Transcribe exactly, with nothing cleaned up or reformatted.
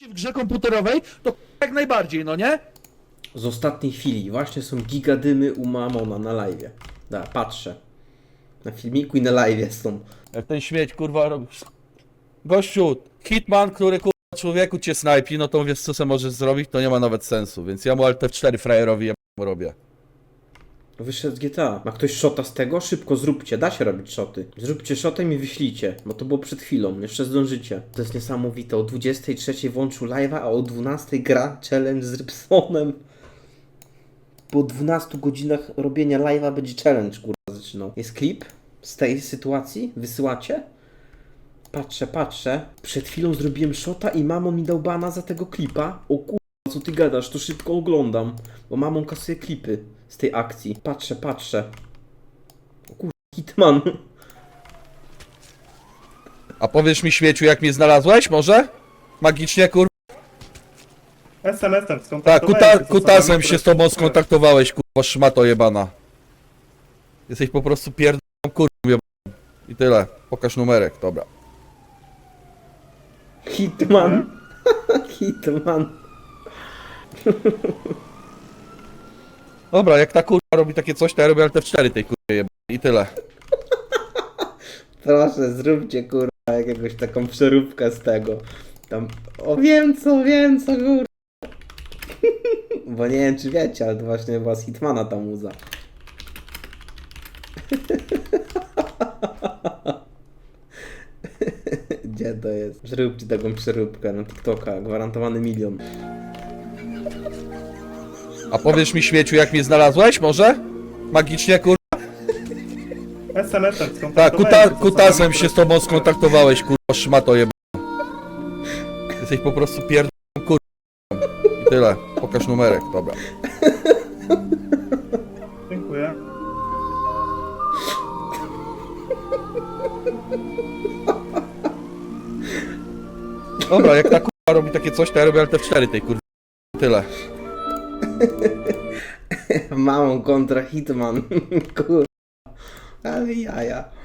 w grze komputerowej, to jak najbardziej, no nie? Z ostatniej chwili właśnie są gigadymy u Mamona na live'ie. Da, patrzę. Na filmiku i na live'ie są. Jak ten śmieć, kurwa, robisz. Gościu, hitman, który kurwa człowieku cię snajpi, no to wiesz co se możesz zrobić, to nie ma nawet sensu, więc ja mu Alt F cztery frajerowi ja mu robię. Wyszedł z G T A. Ma ktoś shota z tego? Szybko zróbcie, da się robić shoty. Zróbcie shotem i wyślijcie, bo to było przed chwilą, jeszcze zdążycie. To jest niesamowite, o dwudziestej trzeciej włączył live'a, a o dwunastej gra challenge z Rybsonem. Po dwunastu godzinach robienia live'a będzie challenge, kurwa, zaczynał. Jest klip z tej sytuacji? Wysyłacie? Patrzę, patrzę. Przed chwilą zrobiłem shota i mamon mi dał bana za tego klipa. O kurwa, co ty gadasz? To szybko oglądam, bo mamon kasuje klipy z tej akcji. Patrzę, patrzę. O kurwa, hitman. A powiesz mi śmieciu, jak mnie znalazłeś, może? Magicznie, kurwa. es em esem Tak, skontaktowałem kuta, się z osobami, kutasem które się z tobą są- skontaktowałeś, kurwa, szmato jebana. Jesteś po prostu pierdolą, kurwa, jebaną. I tyle. Pokaż numerek, dobra. Hitman. Hitman. Dobra, jak ta kurwa robi takie coś, to ja robię Alt F cztery tej kurwa jebanej. I tyle. Proszę, zróbcie kurwa jakiegoś taką przeróbkę z tego. Tam, o wiem co, wiem co kurwa. Bo nie wiem czy wiecie, ale to właśnie była z Hitmana ta muza. Gdzie to jest? Zróbcie taką przeróbkę na TikToka, gwarantowany milion. A powiesz mi śmieciu, jak mnie znalazłeś, może? Magicznie, kurwa. es em esem Tak, skontaktowałem kuta, się z osobami, kutasem które się z są- tobą skontaktowałeś, kurwa, szmato jebana. Jesteś po prostu pierdolą, kurwa. I tyle. Pokaż numerek, dobra. Dziękuję. Dobra, jak ta kurwa robi takie coś, to ja robię Alt F cztery tej kurwa. I tyle. Mamą kontra Hitman. Kurwa. Ale jaja.